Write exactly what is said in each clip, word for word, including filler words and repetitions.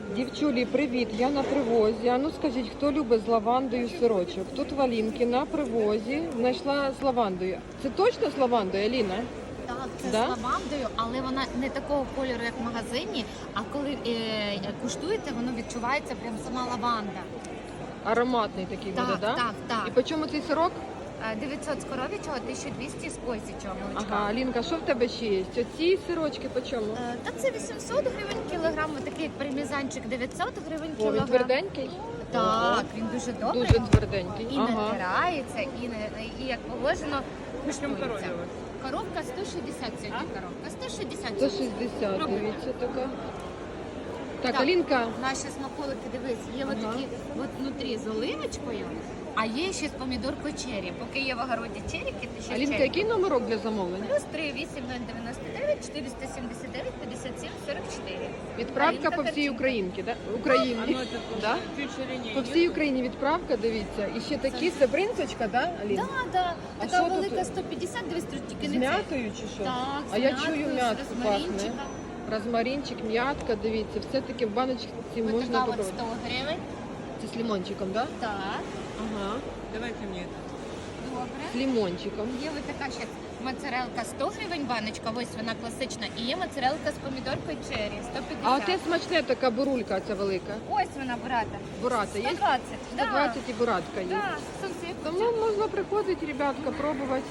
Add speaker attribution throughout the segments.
Speaker 1: Дівчулі, привіт! Я на привозі. А ну скажіть, хто любить з лавандою сирочок? Тут в Алінки на привозі знайшла з лавандою. Це точно з лавандою, Аліна?
Speaker 2: Так, це
Speaker 1: Да?
Speaker 2: з лавандою, але вона не такого кольору, як в магазині. А коли е, куштуєте, воно відчувається прям сама лаванда.
Speaker 1: Ароматний такий
Speaker 2: Так,
Speaker 1: буде, так?
Speaker 2: так, так.
Speaker 1: І по чому цей сирок?
Speaker 2: Е, дев'ятсот з коров'ячого, тисяча двісті з козячого молочка.
Speaker 1: Ага, Алінка, що в тебе ще є? Оці сирочки по чому?
Speaker 2: Е, Та це вісімсот гривень кілограм, такий як пармезанчик дев'ятсот гривень
Speaker 1: О, він
Speaker 2: кілограм.
Speaker 1: тверденький?
Speaker 2: Так, він дуже добрий.
Speaker 1: Дуже тверденький.
Speaker 2: І
Speaker 1: Ага.
Speaker 2: натирається, і, не, і як положено, куштується. Коровка сто шістдесят сьогодні коровка. сто шістдесят.
Speaker 1: сто шістдесят, дивіться така. Так,
Speaker 2: Так.
Speaker 1: Алінка,
Speaker 2: Наші смаколики, дивись, є
Speaker 1: Ага.
Speaker 2: ага. такі от внутрі з оливочкою, а є ще з помідоркою чері. Поки є в огороді черіки, то ще
Speaker 1: Алінка,
Speaker 2: черіки.
Speaker 1: який номерок для замовлення?
Speaker 2: Плюс три вісім нуль дев'яносто дев'ять чотириста сімдесят дев'ять п'ятдесят сім сорок чотири.
Speaker 1: Відправка
Speaker 2: Алінка
Speaker 1: по всій
Speaker 2: Карченко.
Speaker 1: Українці, да? Україні. Да? По всій Україні відправка, дивіться. І ще такі, це бринзочка, да, Аліна?
Speaker 2: Так, так.
Speaker 1: А
Speaker 2: Така
Speaker 1: що тут?
Speaker 2: велика сто п'ятдесят, дивись, тут тільки
Speaker 1: З
Speaker 2: не це.
Speaker 1: м'ятою чи що?
Speaker 2: Так, з
Speaker 1: А я
Speaker 2: м'яткою,
Speaker 1: чую
Speaker 2: з
Speaker 1: м'ятку пахне.
Speaker 2: розмаринчиком.
Speaker 1: Розмаринчик, м'ятка, дивіться, все-таки в баночці
Speaker 2: Ось
Speaker 1: можна
Speaker 2: така от
Speaker 1: попробувати.
Speaker 2: сто гривень.
Speaker 1: Це з лимончиком, да?
Speaker 2: Так,
Speaker 1: Ага.
Speaker 3: Давайте мне это.
Speaker 2: добре.
Speaker 1: З лимончиком.
Speaker 2: Є ось така ще моцарелка сто гривень баночка, ось вона класична. І є моцарелка з помідоркою чері сто
Speaker 1: А
Speaker 2: п'ятдесят.
Speaker 1: оте смачне така бурулька, ця велика.
Speaker 2: Ось вона бурата.
Speaker 1: Бурата є?
Speaker 2: сто двадцять.
Speaker 1: сто двадцять і буратка є.
Speaker 2: Так, сонце.
Speaker 1: Тому можна приходити, ребятка, пробувати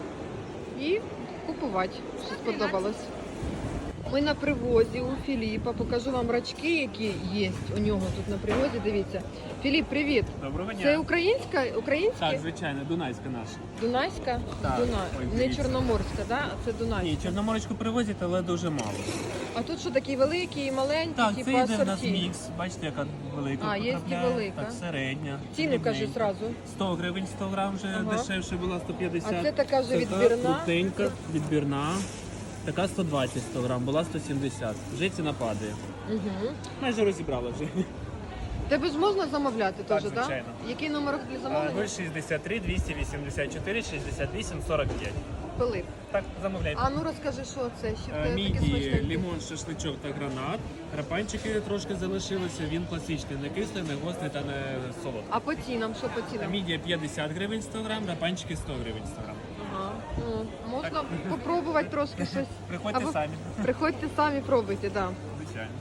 Speaker 1: і купувати, що сподобалось. Ми на привозі у Філіпа. Покажу вам рачки, які є у нього тут на привозі. Дивіться. Філіп, привіт.
Speaker 4: Доброго дня.
Speaker 1: Це українська, українська?
Speaker 4: Так, звичайно, Дунайська наша.
Speaker 1: Дунайська?
Speaker 4: Так.
Speaker 1: Дуна...
Speaker 4: Ой,
Speaker 1: Не
Speaker 4: дивіться.
Speaker 1: чорноморська, да? а це Дунайська.
Speaker 4: Ні, чорноморочку привозять, але дуже мало.
Speaker 1: А тут що такі великі і маленькі,
Speaker 4: Так,
Speaker 1: типу
Speaker 4: це йде в нас
Speaker 1: асорті?
Speaker 4: мікс. Бачите, яка велика
Speaker 1: А, є і
Speaker 4: потрапляє.
Speaker 1: велика.
Speaker 4: Так, середня.
Speaker 1: Ціну
Speaker 4: дрібненька.
Speaker 1: кажи зразу.
Speaker 4: сто гривень сто грам вже
Speaker 1: Ага.
Speaker 4: дешевше була сто п'ятдесят.
Speaker 1: А це така вже
Speaker 4: Така
Speaker 1: відбірна?
Speaker 4: крутенька, відбірна. Така сто двадцять сто грам, була сто сімдесят. Вже ціна падає.
Speaker 1: Угу.
Speaker 4: Майже розібрала вже.
Speaker 1: Тебе ж можна замовляти
Speaker 4: Так,
Speaker 1: теж, так?
Speaker 4: звичайно.
Speaker 1: Який номер для замовлення?
Speaker 4: нуль шістдесят три двісті вісімдесят чотири шістдесят вісім сорок п'ять.
Speaker 1: Пилип.
Speaker 4: Так, замовляйте.
Speaker 1: А ну розкажи, що це? Що в
Speaker 4: Е,
Speaker 1: тебе таке
Speaker 4: Міді,
Speaker 1: смачненьке?
Speaker 4: лимон, шашличок та гранат. Рапанчики трошки залишилися. Він класичний, не кислий, не гострий та не солодкий.
Speaker 1: А по цінам, що по цінам?
Speaker 4: Мідія п'ятдесят гривень сто грам, рапанчики сто гривень сто грам.
Speaker 1: Ага. Ну, можна попробувати трошки щось.
Speaker 4: Приходьте
Speaker 1: Або-
Speaker 4: самі.
Speaker 1: Приходьте самі, пробуйте, так. Да.
Speaker 4: Звичайно.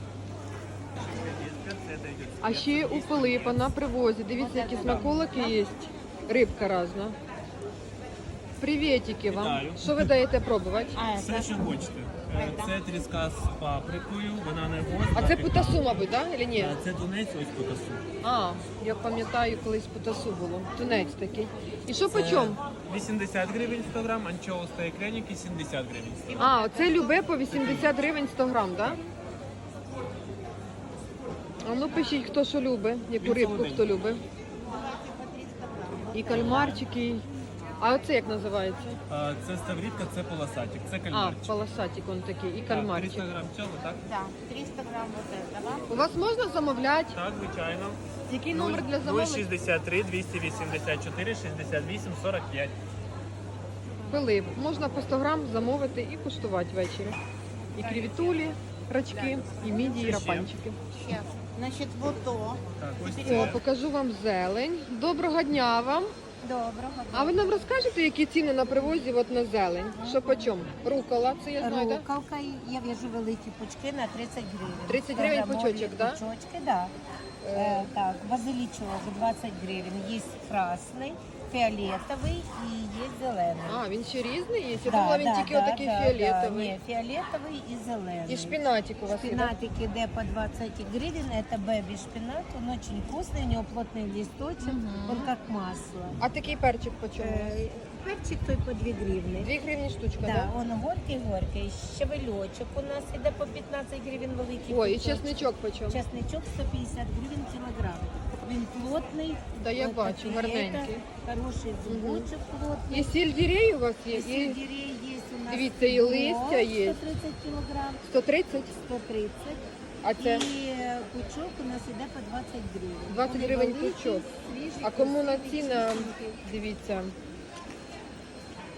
Speaker 1: А ще у Пилипа на привозі. Дивіться, які смаколики є. Рибка разна. Привітики вам.
Speaker 4: Вітаю.
Speaker 1: Що ви даєте пробувати?
Speaker 4: Все, що хочете. Е, Це тріска з паприкою, вона не гостра.
Speaker 1: А це путасу, мабуть, так? Да? Чи ні?
Speaker 4: Е, Це тунець, ось потасу.
Speaker 1: А, я пам'ятаю, колись путасу було. Тунець такий. І що по
Speaker 4: Це
Speaker 1: чому?
Speaker 4: вісімдесят гривень сто грам, анчоус та ікреники сімдесят гривень сто грам.
Speaker 1: А, оце любе по вісімдесят гривень сто грам, так? Да? А ну пишіть, хто що любить, яку
Speaker 4: Він
Speaker 1: рибку
Speaker 4: солоденький.
Speaker 1: хто любить. І кальмарчики. і- А оце як називається?
Speaker 4: Е, Це ставрідка, це полосатик, це
Speaker 1: А,
Speaker 4: кальмарчик.
Speaker 1: полосатик он такий, і
Speaker 4: Так,
Speaker 1: кальмарчик.
Speaker 4: триста грам цього, так?
Speaker 2: Да, триста грам вот этого.
Speaker 1: У вас можна замовляти?
Speaker 4: Так, звичайно.
Speaker 1: Який номер для
Speaker 4: нуль
Speaker 1: замовлення?
Speaker 4: шістдесят три двісті вісімдесят чотири шістдесят вісім сорок п'ять.
Speaker 1: Пилип. Можна по сто грам замовити і куштувати ввечері. І крівітулі, рачки, і мідії, і
Speaker 4: Це ще.
Speaker 1: рапанчики.
Speaker 2: Ще. Значить, вот то.
Speaker 4: Так, ось
Speaker 1: О,
Speaker 4: це.
Speaker 1: покажу вам зелень. Доброго дня вам.
Speaker 2: Доброго.
Speaker 1: А ви нам розкажете, які ціни на привозі от на зелень? Що по чому? Рукола, це я знаю, так?
Speaker 5: Рукавка, я в'яжу великі пучки на тридцять гривень.
Speaker 1: тридцять гривень
Speaker 5: Кілограмові
Speaker 1: пучочок, да?
Speaker 5: Пучочки, да. Е, так, базилічок двадцять гривень. Є красний, фіолетовий і є зелений.
Speaker 1: А, він ще різний є? Я
Speaker 5: Да,
Speaker 1: думала, він
Speaker 5: да,
Speaker 1: тільки
Speaker 5: да,
Speaker 1: отакий
Speaker 5: да,
Speaker 1: фіолетовий.
Speaker 5: Да, ні, фіолетовий і зелений.
Speaker 1: І шпинатик у вас є, да?
Speaker 5: Шпинатик іде по двадцать гривен, это бэби шпинат, он очень вкусный, у него плотный листочек, он как масло.
Speaker 1: А такий перчик по чому?
Speaker 5: Э, перчик той по две гривны.
Speaker 1: Дві гривні штучка,
Speaker 5: Да,
Speaker 1: так?
Speaker 5: он горький-горький. Щавельочок у нас іде по п'ятнадцять гривень великий.
Speaker 1: Ой, і
Speaker 5: кусочок.
Speaker 1: чесничок по чому?
Speaker 5: Чесничок сто п'ятдесят гривень кілограм. Він плотний.
Speaker 1: Да, я
Speaker 5: от
Speaker 1: бачу,
Speaker 5: такий,
Speaker 1: гарненький.
Speaker 5: это Хороший зубочок плотний.
Speaker 1: І сельдерей у вас є?
Speaker 5: І
Speaker 1: І
Speaker 5: сельдерей є у нас.
Speaker 1: Дивіться, і листя є.
Speaker 5: сто тридцять кілограм.
Speaker 1: сто тридцять?
Speaker 5: сто тридцять.
Speaker 1: А це
Speaker 5: І е, пучок у нас іде по двадцять гривень.
Speaker 1: двадцять
Speaker 5: Вони
Speaker 1: гривень
Speaker 5: великі,
Speaker 1: пучок.
Speaker 5: свіжі,
Speaker 1: А кому на
Speaker 5: красиві,
Speaker 1: ціна,
Speaker 5: чистенькі.
Speaker 1: дивіться.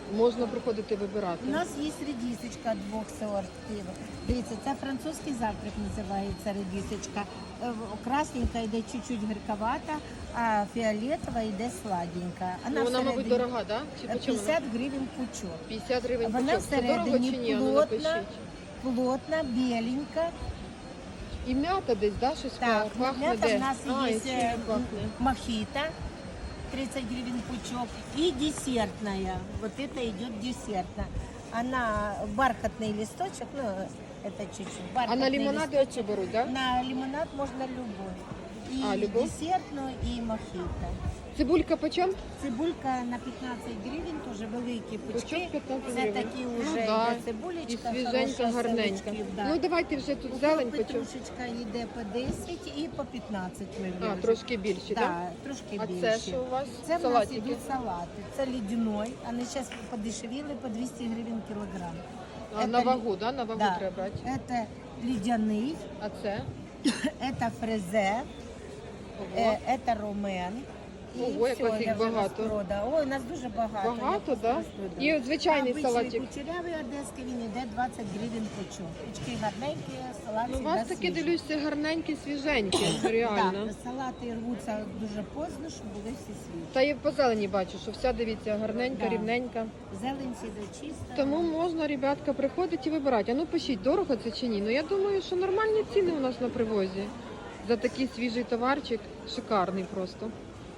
Speaker 1: Можна приходити вибирати.
Speaker 5: У нас є редисочка двох сортів. Дивіться, це французький завтрак називається редисочка. Е, Красненька йде чуть-чуть гірковата, а фіолетова йде сладенька.
Speaker 1: Ну, вона, мабуть,
Speaker 5: всередині
Speaker 1: дорога, да? Чи по чому вона?
Speaker 5: п'ятдесят гривень пучок.
Speaker 1: п'ятдесят гривень
Speaker 5: Вона
Speaker 1: пучок. Це дорого чи
Speaker 5: всередині
Speaker 1: ні? А ну,
Speaker 5: плотна,
Speaker 1: напишіть.
Speaker 5: плотна, біленька.
Speaker 1: І м'ята десь, да, щось
Speaker 5: Так,
Speaker 1: пахне?
Speaker 5: м'ята
Speaker 1: де?
Speaker 5: в нас
Speaker 1: А,
Speaker 5: є
Speaker 1: і чим
Speaker 5: е,
Speaker 1: пахне?
Speaker 5: мохито, тридцать гривен пучок, и десертная. Вот это идет десертная. Она бархатный листочек, ну, это чуть-чуть.
Speaker 1: А на
Speaker 5: бархатный
Speaker 1: лимонади
Speaker 5: листочек.
Speaker 1: оці беруть, да?
Speaker 5: На лимонад можно любой. И
Speaker 1: А, любой?
Speaker 5: десертную, и мохито.
Speaker 1: Цибулька по чому?
Speaker 5: Цибулька на пятнадцать гривень, тоже великі пучки.
Speaker 1: Пучок п'ятнадцять
Speaker 5: Це
Speaker 1: гривень.
Speaker 5: такі
Speaker 1: Ну,
Speaker 5: вже
Speaker 1: да.
Speaker 5: йде цибулечка,
Speaker 1: І свіженька,
Speaker 5: хороша,
Speaker 1: гарненька.
Speaker 5: селочків, да.
Speaker 1: Ну давайте вже тут зелень по чому.
Speaker 5: Петрушечка йде по десять і по п'ятнадцять ми
Speaker 1: А,
Speaker 5: вже.
Speaker 1: трошки більші, так? Да?
Speaker 5: Да, трошки
Speaker 1: А
Speaker 5: більше.
Speaker 1: це що у вас?
Speaker 5: Це в нас
Speaker 1: Салатики?
Speaker 5: йдуть салати. Це лідяной, вони зараз подешевіли по двісті гривень кілограм.
Speaker 1: А,
Speaker 5: Це
Speaker 1: на
Speaker 5: лі-
Speaker 1: вагу, да? На вагу
Speaker 5: Да.
Speaker 1: треба брати.
Speaker 5: Це лідяний,
Speaker 1: А це?
Speaker 5: це фрезе,
Speaker 1: Ого.
Speaker 5: е, це ромен. І
Speaker 1: Ого, як
Speaker 5: все,
Speaker 1: вас їх
Speaker 5: я вже
Speaker 1: багато.
Speaker 5: розпродала. Ой, у нас дуже багато.
Speaker 1: Багато,
Speaker 5: я
Speaker 1: так?
Speaker 5: просто
Speaker 1: Да?
Speaker 5: розпродала.
Speaker 1: І звичайний
Speaker 5: Обичний
Speaker 1: салатик.
Speaker 5: кучерявий одеський, він йде двадцять гривень пучок. Пучки гарненькі, салат
Speaker 1: Ну, у
Speaker 5: всегда
Speaker 1: вас таки,
Speaker 5: свіжий.
Speaker 1: дивлюся, гарненькі, свіженькі, реально.
Speaker 5: Так, салати рвуться дуже поздно, щоб були всі свіжі.
Speaker 1: Та і по зелені бачу, що вся, дивіться, гарненька,
Speaker 5: Да.
Speaker 1: рівненька.
Speaker 5: Зелень сіде чиста.
Speaker 1: Тому можна, ребятка, приходити і вибирати. А ну пишіть, дорого це чи ні? Ну я думаю, що нормальні ціни у нас на привозі. За такий свіжий товарчик, шикарний просто.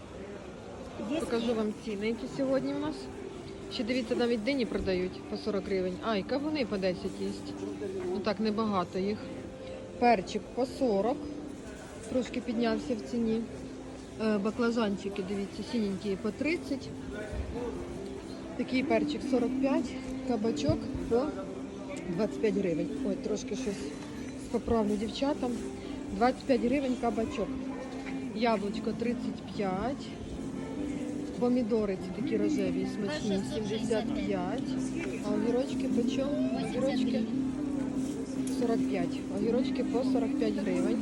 Speaker 5: Є
Speaker 1: Покажу вам ціни, які сьогодні у нас. Ще дивіться, навіть дині продають по сорок гривень. А, і кавуни по десять є. Ну так, небагато їх. Перчик по сорок. Трошки піднявся в ціні. Е, Баклажанчики, дивіться, синенькі по тридцять. Такий перчик сорок п'ять. Кабачок по двадцять п'ять гривень. Ой, трошки щось поправлю дівчатам. двадцять п'ять гривень кабачок. Яблучко тридцять п'ять. Помідори ці такі рожеві, смачні, сімдесят п'ять. А огірочки по чому? Огірочки сорок п'ять. Огірочки по сорок п'ять гривень.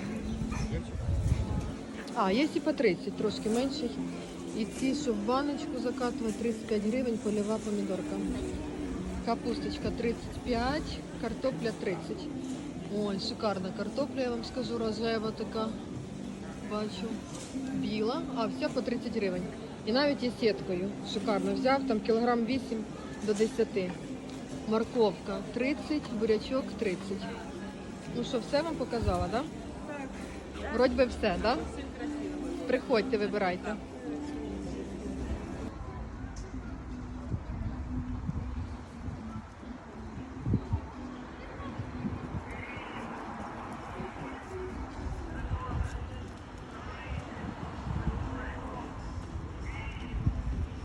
Speaker 1: А, є і по тридцять, трошки менший. І ці, щоб в баночку закатувати, тридцять п'ять гривень, польова помідорка. Капусточка тридцять п'ять, картопля тридцять. Ой, шикарна картопля, я вам скажу, рожева така. Бачу. Біла, а вся по тридцять гривень. І навіть і сіткою. Шикарно взяв, там кілограм вісім до десяти. Морковка тридцять, бурячок тридцять. Ну що, все вам показала, так? Да? Вроді би все, так? Да? Приходьте, вибирайте.